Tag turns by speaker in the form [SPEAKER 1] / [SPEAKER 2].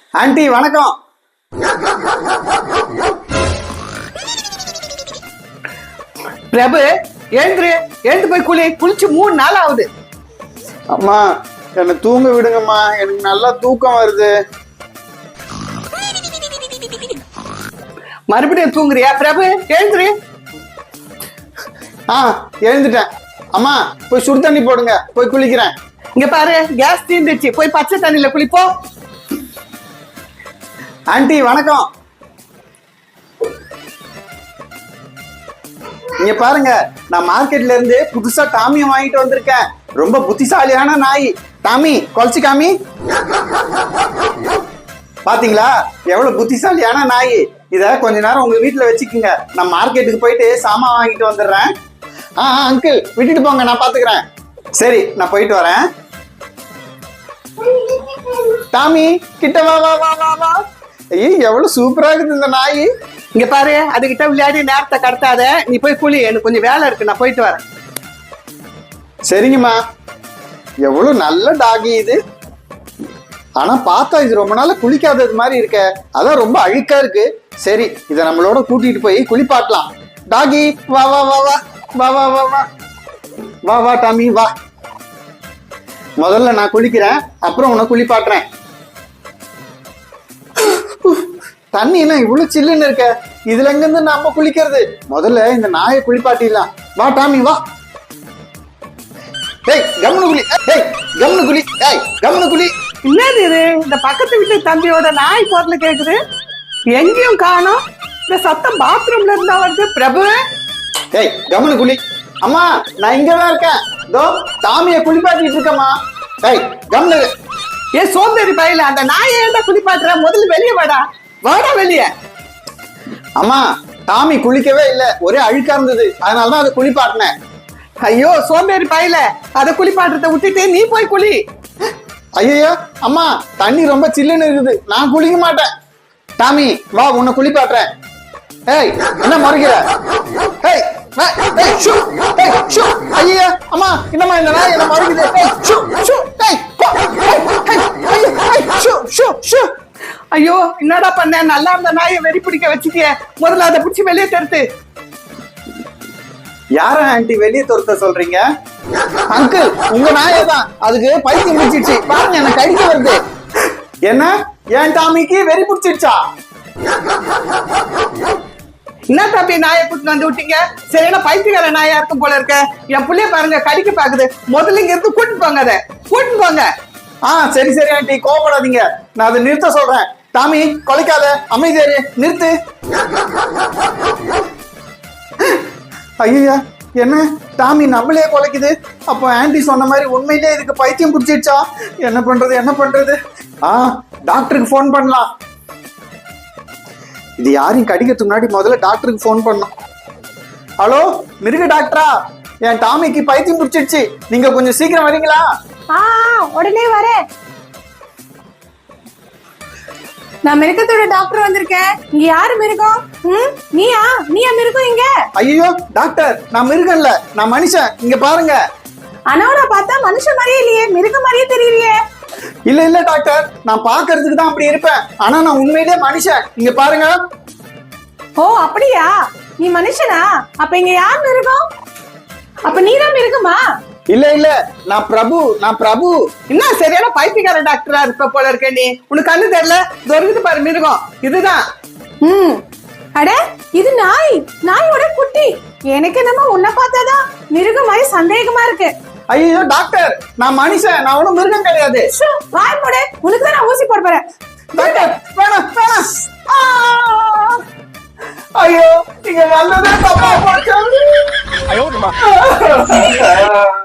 [SPEAKER 1] Aunty வணக்கம். பிரபு எழுந்துரு, எழுந்து போய் குளிச்சு 3 நாள் ஆகுது.
[SPEAKER 2] அம்மா என்ன தூங்க விடுங்கம்மா, எனக்கு நல்லா தூக்கம் வருது.
[SPEAKER 1] மறுபடியும் தூங்குறியா? பிரபு எழுந்துரு.
[SPEAKER 2] எழுந்துட்டேன். அம்மா போய் சுடு தண்ணி போடுங்க, போய் குளிக்கிறேன்.
[SPEAKER 1] இங்க பாரு, கேஸ் தீர்ந்துச்சு, போய் பச்சை தண்ணியில குளிப்போ.
[SPEAKER 2] ஆண்டி வணக்கம். இங்க பாருங்க, நான் மார்க்கெட்ல இருந்து புதுசா டாமியை வாங்கிட்டு வந்திருக்கேன். ரொம்ப புத்திசாலியான நாய். டாமி குலைச்சு காமி. பாத்தீங்களா எவ்வளவு புத்திசாலியான நாய். இத கொஞ்ச நேரம் உங்க வீட்டுல வச்சுக்குங்க, நான் மார்க்கெட்டுக்கு போயிட்டு சாமான் வாங்கிட்டு வந்துடுறேன். அங்கிள் விட்டுட்டு போங்க, நான் பாத்துக்கிறேன். சரி, நான் போயிட்டு வரேன். டாமி கிட்ட வா வா வா வா வா. ஐயோ எவ்வளவு சூப்பரா இருக்குது இந்த நாய்.
[SPEAKER 1] இங்க பாரு, அதுகிட்ட விளையாடி நேரத்தை கடத்தாத, நீ போய் குளி, எனக்கு கொஞ்சம் வேலை இருக்கு, நான் போயிட்டு வரேன்.
[SPEAKER 2] சரிங்கம்மா. எவ்வளவு நல்ல டாகி இது. ஆனா பார்த்தா இது ரொம்ப நாளா குளிக்காதது மாதிரி இருக்க, அதான் ரொம்ப அழுக்கா இருக்கு. சரி, இதை நம்மளோட கூட்டிட்டு போய் குளிப்பாட்டலாம். டாகி வா வா வா வா வா வா வா வா வா வா டாமி வா. முதல்ல நான் குளிக்கிறேன், அப்புறம் உன்னை குளிப்பாட்டுறேன். தண்ணி என்ன இவ்வளவு சில்லுன்னு இருக்க, இதுல எங்க இருந்து நம்ம குளிக்கிறது? முதல்ல இந்த நாயை குளிப்பாட்டிடலாம். வா டாமி வா. ஏய் கம்னு குளி, ஏய் கம்னு குளி, ஏய் கம்னு குளி.
[SPEAKER 1] என்னது இது? இந்த பக்கத்து வீட்டு தம்பியோட நாய் குரல் கேக்குது, எங்கேயும் காணோம். இந்த சத்தம் பாத்ரூம்ல இருந்தா வருது. பிரபு
[SPEAKER 2] ஏய் கம்னு குளி. அம்மா நான் இங்கதான் இருக்கேன், இதோ டாமியை குளிப்பாட்டிட்டு இருக்கேம்மா. ஏய் கம்னு.
[SPEAKER 1] ஏ சோம்பேறி பையில, அந்த நாயை ஏன்டா குளிப்பாட்டுற? முதல்ல வெளியே வாடா, வாடா வெளியே.
[SPEAKER 2] அம்மா டாமி குளிக்கவே இல்ல, ஒரே அழுக்கா இருந்தது, அதனாலதான் அதை குளிப்பாட்டினேன்.
[SPEAKER 1] ஐயோ சோம்பேறி பையில, அதை குளிப்பாட்டுறத விட்டுட்டு நீ போய் குளி.
[SPEAKER 2] ஐயோ அம்மா தண்ணி ரொம்ப சில்லுன்னு இருக்குது, நான் குளிக்க மாட்டேன். டாமி வா, உன்னை குளிப்பாட்டுறேன். ஏய் என்ன முறைக்கிற? ஏய் ஐயா அம்மா, என்னம்மா இந்த நாய் என்ன முறைக்குது?
[SPEAKER 1] ஐயோ என்னடா பண்ண? நல்லா இருந்த நாயை வெறி பிடிக்க வச்சுட்டிய, முதல்ல அதை பிடிச்சி வெளியே தருத்து.
[SPEAKER 2] யார ஆண்டி வெளியே துரத்த சொல்றீங்க? அங்கிள் உங்க நாயை தான், அதுக்கு பைத்தியம் பிடிச்சிடுச்சு பாருங்க, எனக்கு கடிக்க வருது. என்ன என் டாமிக்கு வெறி பிடிச்சிடுச்சா?
[SPEAKER 1] என்ன தம்பி நாயை கூட்டு வந்து விட்டீங்க? சரியான பைத்தியக்கார நாயா இருக்கும் போல இருக்க. என் புள்ளைய பாருங்க கடிக்க பாக்குது. முதல்ல இங்க இருந்து கூட்டு போங்க, அதை கூட்டு போங்க.
[SPEAKER 2] சரி சரி ஆண்டி, கோவப்படாதீங்க, நான் அதை நிறுத்த சொல்றேன். டாமி கொலைக்காத, அமைதியாரு, நிறுத்து. ஐயா என்ன டாமி நம்மளே கொலைக்குது? அப்போ ஆண்டி சொன்ன மாதிரி உண்மையிலே இதுக்கு பைத்தியம் பிடிச்சிடுச்சா? என்ன பண்றது என்ன பண்றது? டாக்டருக்கு போன் பண்ணலாம். இது யாரையும் கடிக்கிறதுக்கு முன்னாடி முதல்ல டாக்டருக்கு போன் பண்ணணும். ஹலோ மிருக டாக்டரா, என் டாமிக்கு பைத்தியம் பிடிச்சிடுச்சு, நீங்க கொஞ்சம் சீக்கிரம் வரீங்களா?
[SPEAKER 3] உடனே வரேன். நான் மிருகத்தோட டாக்டர் வந்திருக்கேன். இங்க யாரு மிருகம்? நீயா மிருகம் இங்க?
[SPEAKER 2] ஐயோ டாக்டர், நான் மிருகம் இல்ல, நான் மனுஷன். இங்க பாருங்க.
[SPEAKER 3] ஆனா பார்த்தா மனுஷன் மாதிரியே இல்லையே, மிருகம் மாதிரியே தெரியலையே.
[SPEAKER 2] இல்ல இல்ல டாக்டர், நான் பாக்குறதுக்கு தான் அப்படி இருப்பேன், ஆனா நான் உண்மையிலேயே மனுஷன். இங்க பாருங்க.
[SPEAKER 3] ஓ அப்படியா, நீ மனுஷனா? அப்ப இங்க யார் மிருகம்? அப்ப நீதான் மிருகமா?
[SPEAKER 2] இல்ல இல்ல, நான் பிரபு.
[SPEAKER 1] என்ன சரியான பைத்தியக்கார டாக்டரா இருப்ப போல இருக்க நீ. உனக்கு கண்ணு தெரியல? தொருகுது பாரு மிருகம், இதுதான்.
[SPEAKER 3] அட இது நாயோட குட்டி. எனக்கு என்னமோ உன்னை பார்த்தாதான் மிருகம் மாதிரி சந்தேகமா இருக்கு.
[SPEAKER 2] ஐயோ டாக்டர், நான் மனுஷன், நான் ஒண்ணும் மிருகம் கிடையாது.
[SPEAKER 3] வாய் மூடு, உனக்கு தான் நான் ஊசி போட போறேன்.
[SPEAKER 2] டாக்டர் வேணாம் வேணாம். ஐயோ நீங்க வந்ததே தப்பா போச்சு.